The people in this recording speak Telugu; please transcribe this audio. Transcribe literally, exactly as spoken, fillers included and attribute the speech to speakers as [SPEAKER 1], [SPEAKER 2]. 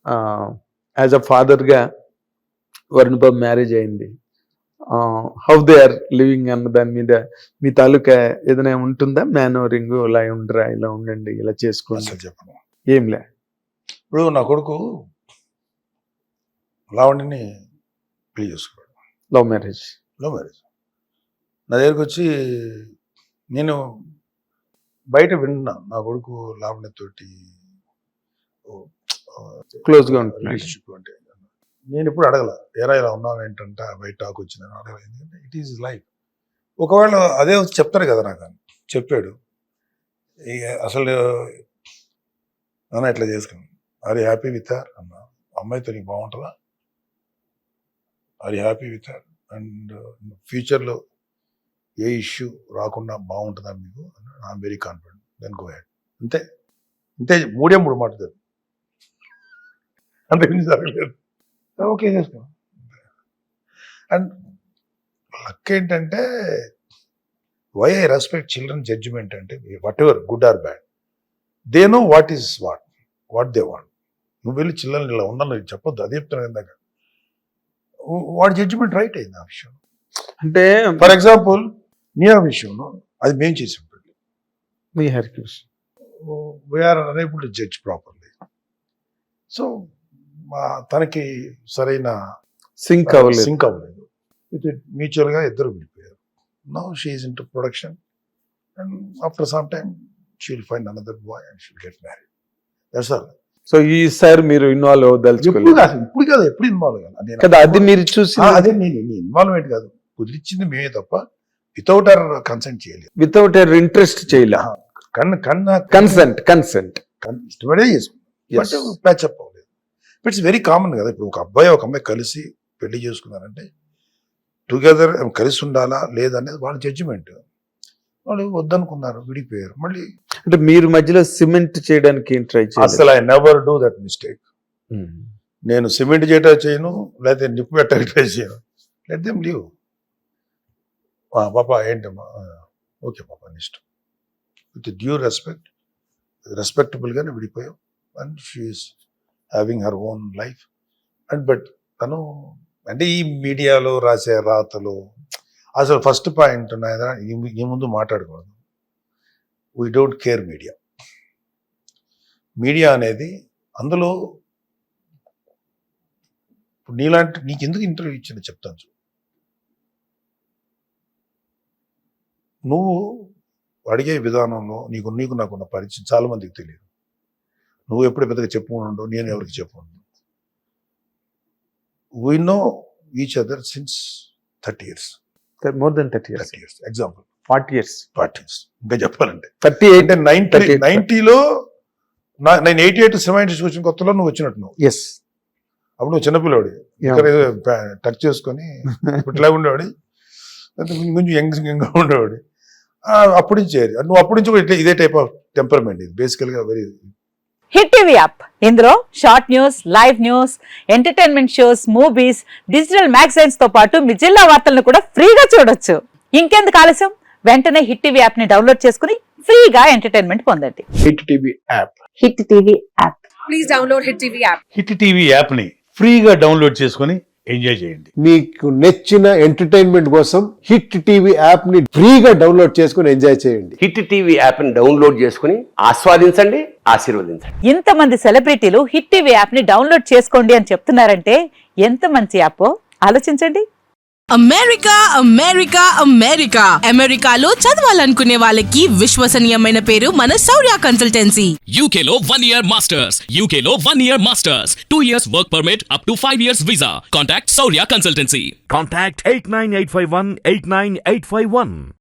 [SPEAKER 1] యాజ్ అ ఫాదర్గా వరుణ్ బాబు మ్యారేజ్ అయింది, హౌ దే ఆర్ లివింగ్ అన్న దాని మీద మీ తాలూకా ఏదైనా ఉంటుందా? మేనోరింగ్ ఇలా ఉండరా, ఇలా ఉండండి, ఇలా చేసుకోండి.
[SPEAKER 2] అసలు చెప్పను.
[SPEAKER 1] ఏం లే.
[SPEAKER 2] ఇప్పుడు నా కొడుకు లావణ్యని పెళ్లి చేసుకున్నాడు,
[SPEAKER 1] లవ్ మ్యారేజ్.
[SPEAKER 2] Love marriage. నా దగ్గరికి వచ్చి నేను బయట విన్నా నా కొడుకు లావణ్యతోటి
[SPEAKER 1] క్లోజ్గా ఉంటుంది.
[SPEAKER 2] రిలేషన్షిప్ అంటే నేను ఎప్పుడు అడగల, ఎరా ఇలా ఉన్నావు ఏంటంటే బయట టాక్ వచ్చిందని అడగల. ఎందుకంటే ఇట్ ఈజ్ లైఫ్. ఒకవేళ అదే వచ్చి చెప్తారు కదా నాకు, చెప్పాడు ఇక అసలు నాన్న ఇట్లా చేసుకున్నాను, are you happy with her అన్న, అమ్మాయితో నీకు బాగుంటుందా, are you happy with her and ఫ్యూచర్లో ఏ ఇష్యూ రాకుండా బాగుంటుందా మీకు, I'm very confident, then go ahead. అంతే అంతే, మూడే మూడు మాట్లాడతారు, అంతకుమించి జరగలేదు. ఓకే చేసుకో. అండ్ లక్ ఏంటంటే why I respect children judgement అంటే whatever good or bad, they know what is what what they want. నువ్వు వెళ్ళి చిల్డ్రన్ ఇలా ఉండాలని చెప్పొద్దు, అది చెప్తున్నాను ఇందాక. వాడి జడ్జిమెంట్ రైట్ అయింది ఆ విషయం.
[SPEAKER 1] అంటే
[SPEAKER 2] ఫర్ ఎగ్జాంపుల్ నీ ఆ విషయంలో అది మేము చేసాం,
[SPEAKER 1] మీ హెర్క్యూస్
[SPEAKER 2] we are unable to judge properly. So తనకి సరైన
[SPEAKER 1] సింక్ అవ్వలేదు
[SPEAKER 2] సింక్ అవ్వలేదు ఇది మ్యూచువల్గా ఇద్దరు విడిపోయారు. Now she is into production and after some time she will find another boy and she will get married. That's all.
[SPEAKER 1] So ఈసారి మీరు ఇన్వాల్వ్ అవ్వదలుచుకోలేదు?
[SPEAKER 2] ఇప్పుడు కాదు, ఇప్పుడు కాదు, ఎప్పుడు ఇన్వాల్వ్ కాదు
[SPEAKER 1] కదా, అది మీరు చూసి.
[SPEAKER 2] అదే నేను ఇన్వాల్వ్మెంట్ కాదు, కుదిరించింది మేమే తప్ప వితౌట్ అవర్ కన్సెంట్ చేయలేదు,
[SPEAKER 1] వితౌట్ అవర్ ఇంట్రెస్ట్ చేయలే.
[SPEAKER 2] కన్ కన్నా
[SPEAKER 1] కన్సెంట్ కన్సెంట్
[SPEAKER 2] ఇష్టపడే చేసుకున్నాం, ప్యాచప్ అవ్వలేదు. ఇట్స్ వెరీ కామన్ కదా. ఇప్పుడు ఒక అబ్బాయి ఒక అమ్మాయి కలిసి పెళ్లి చేసుకున్నారంటే టుగెదర్ కలిసి ఉండాలా లేదనేది వాళ్ళ జడ్జిమెంట్. వాళ్ళు వద్దనుకున్నారు, విడిపోయారు. మళ్ళీ
[SPEAKER 1] అంటే మీరు మధ్యలో సిమెంట్ చేయడానికి ట్రై చేయాలి?
[SPEAKER 2] అసలు I never do that mistake. నేను సిమెంట్ చేయటం చేయను, లేకపోతే నిప్పు పెట్టడానికి ట్రై చేయను. Let them leave. పాప ఏంటమ్మా, ఓకే పాప నీ ఇష్టం, విత్ డ్యూ రెస్పెక్ట్, రెస్పెక్టబుల్గానే విడిపోయాం. And she's having her own life. And but తను అంటే ఈ మీడియాలో రాసే రాతలు అసలు ఫస్ట్ పాయింట్ ఉన్నాయా ఈ ముందు మాట్లాడకూడదు. We don't care media. Media అనేది అందులో నీలాంటి నీకు ఎందుకు ఇంటర్వ్యూ ఇచ్చింది చెప్తాను చూ. నువ్వు అడిగే విధానంలో నీకు నీకు నాకున్న పరిచయం చాలా మందికి తెలియదు. నువ్వు ఎప్పుడు పెద్దగా చెప్పుకుండవు, నేను ఎవరికి చెప్పుకుంటాను. We know each other since thirty years,
[SPEAKER 1] more than thirty years.
[SPEAKER 2] Thirty years example
[SPEAKER 1] forty years
[SPEAKER 2] forty years ఇంకా చెప్పాలంటే
[SPEAKER 1] థర్టీ ఎయిట్
[SPEAKER 2] అంటే నైన్టీ నైన్టీలో నేను ఎయిటీ ఎయిట్ సినిమా ఇండస్ట్రీ వచ్చిన కొత్తలో నువ్వు వచ్చినట్టు నువ్వు.
[SPEAKER 1] ఎస్,
[SPEAKER 2] అప్పుడు నువ్వు చిన్నపిల్లవాడి, ఇక్కడ టచ్ చేసుకొని ఇట్లా ఉండేవాడి, కొంచెం యంగ్ యంగ్గా ఉండేవాడి. అప్పటి నుంచి నువ్వు అప్పటి నుంచి కూడా ఇదే టైప్ ఆఫ్ టెంపర్మెంట్. ఇది బేసికల్గా వెరీ
[SPEAKER 3] హిట్ టీవీ యాప్. ఇందులో short news, live news, entertainment shows, movies, digital magazines తో పాటు మీ జిల్లా వార్తలను కూడా ఫ్రీగా చూడొచ్చు. ఇంకెందుకు ఆలస్యం, వెంటనే హిట్ టీవీ యాప్ ని డౌన్లోడ్ చేసుకుని ఫ్రీగా ఎంటర్టైన్మెంట్ పొందండి.
[SPEAKER 1] Hit TV app.
[SPEAKER 3] Hit TV app.
[SPEAKER 4] Please download Hit TV app.
[SPEAKER 5] Hit TV app ని ఫ్రీగా డౌన్లోడ్ చేసుకుని ఎంజాయ్ చేయండి.
[SPEAKER 6] మీకు నచ్చిన ఎంటర్టైన్మెంట్ కోసం హిట్ టీవీ యాప్ ని ఫ్రీగా డౌన్లోడ్ చేసుకుని ఎంజాయ్ చేయండి.
[SPEAKER 7] హిట్ టీవీ యాప్ ని డౌన్లోడ్ చేసుకుని ఆస్వాదించండి, ఆశీర్వదించండి.
[SPEAKER 3] ఇంతమంది సెలబ్రిటీలు హిట్ టీవీ యాప్ ని డౌన్లోడ్ చేసుకోండి అని చెప్తున్నారంటే ఎంత మంచి యాప్ ఆలోచించండి.
[SPEAKER 8] అమెరికా అమెరికా అమెరికా అమెరికాలో చదవాలనుకునే వాళ్ళకి విశ్వసనీయమైన పేరు మన శౌర్య కన్సల్టెన్సీ.
[SPEAKER 9] యూకేలో వన్ ఇయర్ మాస్టర్స్, యూకేలో one year masters, two years work permit, up to five years visa. Contact Shaurya consultancy.
[SPEAKER 10] Contact eight nine eight five one eight nine eight five one.